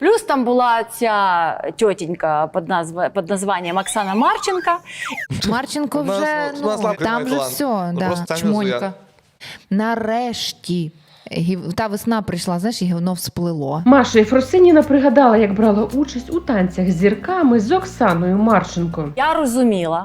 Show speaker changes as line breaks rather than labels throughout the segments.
Плюс там була ця тьотенька під названням Оксана Марченко.
Марченко вже, там вже все, да, чмонька. Нарешті. Та весна прийшла, знаєш, і гівно всплило.
Маша Єфросиніна пригадала, як брала участь у танцях з зірками з Оксаною Марченко.
Я розуміла,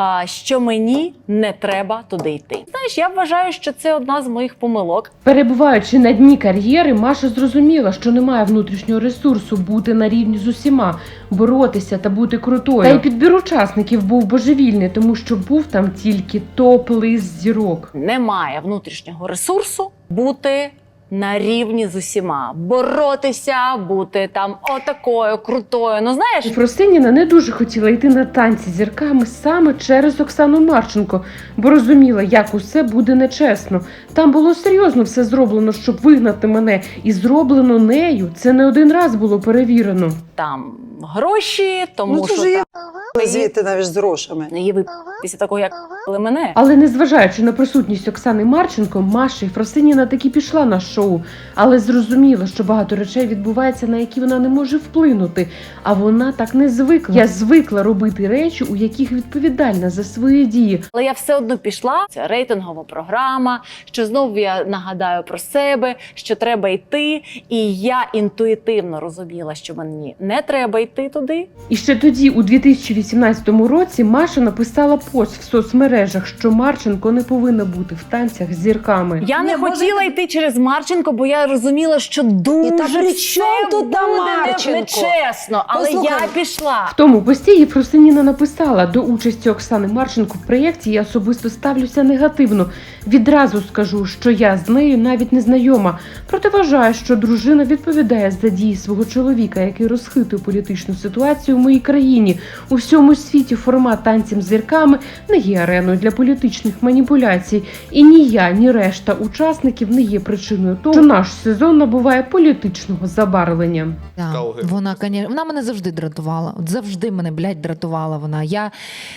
що мені не треба туди йти. Знаєш, я вважаю, що це одна з моїх помилок.
Перебуваючи на дні кар'єри, Маша зрозуміла, що немає внутрішнього ресурсу бути на рівні з усіма, боротися та бути крутою. Та й підбір учасників був божевільний, тому що був там тільки топ-лист зірок.
Немає внутрішнього ресурсу бути на рівні з усіма. Боротися, бути там отакою, крутою. Ну, знаєш,
Єфросиніна не дуже хотіла йти на танці з зірками саме через Оксану Марченко, бо розуміла, як усе буде нечесно. Там було серйозно все зроблено, щоб вигнати мене, і зроблено нею. Це не один раз було перевірено.
там гроші, тому
Ну, це
що
ж є
там
звідти навіть з грошами.
її після такого, як мене.
Але незважаючи на присутність Оксани Марченко, Маша Єфросиніна таки пішла на шоу, але зрозуміла, що багато речей відбувається, на які вона не може вплинути, а вона так не звикла. Я звикла робити речі, у яких відповідальна за свої дії.
Але я все одно пішла. Це рейтингова програма, що знову я нагадаю про себе, що треба йти. І я інтуїтивно розуміла, що мені не треба йти туди.
І ще тоді, у 2018 році, Маша написала пост в соцмережах, що Марченко не повинна бути в танцях з зірками.
Я не
Ні, може,
хотіла йти через Марченко, бо я розуміла, що дуже
І та при
все
чому тут та
буде
Марченко?
нечесно. Але
Послухай,
я пішла.
В тому пості Єфросиніна написала: до участі Оксани Марченко в проєкті я особисто ставлюся негативно. Відразу скажу, що я з нею навіть не знайома. Проте вважаю, що дружина відповідає за дії свого чоловіка, який розхитує політичну ситуацію в моїй країні. У всьому світі формат танців з зірками не є ареною для політичних маніпуляцій. І ні я, ні решта учасників не є причиною того, що наш сезон набуває політичного забарвлення.
Да. Вона мене завжди дратувала. От завжди мене, дратувала вона.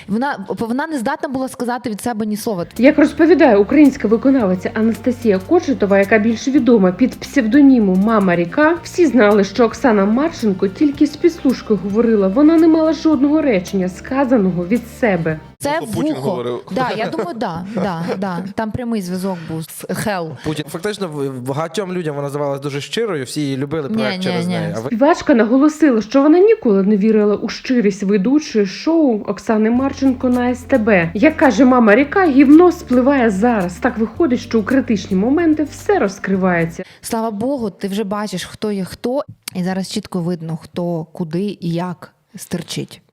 Вона не здатна була сказати від себе ні слова.
Як розповідає українська виконавиця Анастасія Кочетова, яка більш відома під псевдонімом Мама Ріка, всі знали, що Оксана Марченко тільки з підслужки говорила, вона не мала жодного речення, сказаного від себе.
Це
Путін
вухо.
говорив.
Да, я думаю, да. Там прямий зв'язок був з Хел.
Путін. Фактично, багатьом людям вона здавалась дуже щирою, всі її любили проект через неї. А
Співачка наголосила, що вона ніколи не вірила у щирість ведучої шоу Оксани Марченко на СТБ. Як каже Мама Ріка, гівно спливає зараз. Так виходить, що у критичні моменти все розкривається.
Слава Богу, ти вже бачиш, хто є хто, і зараз чітко видно, хто, куди і як стерчить.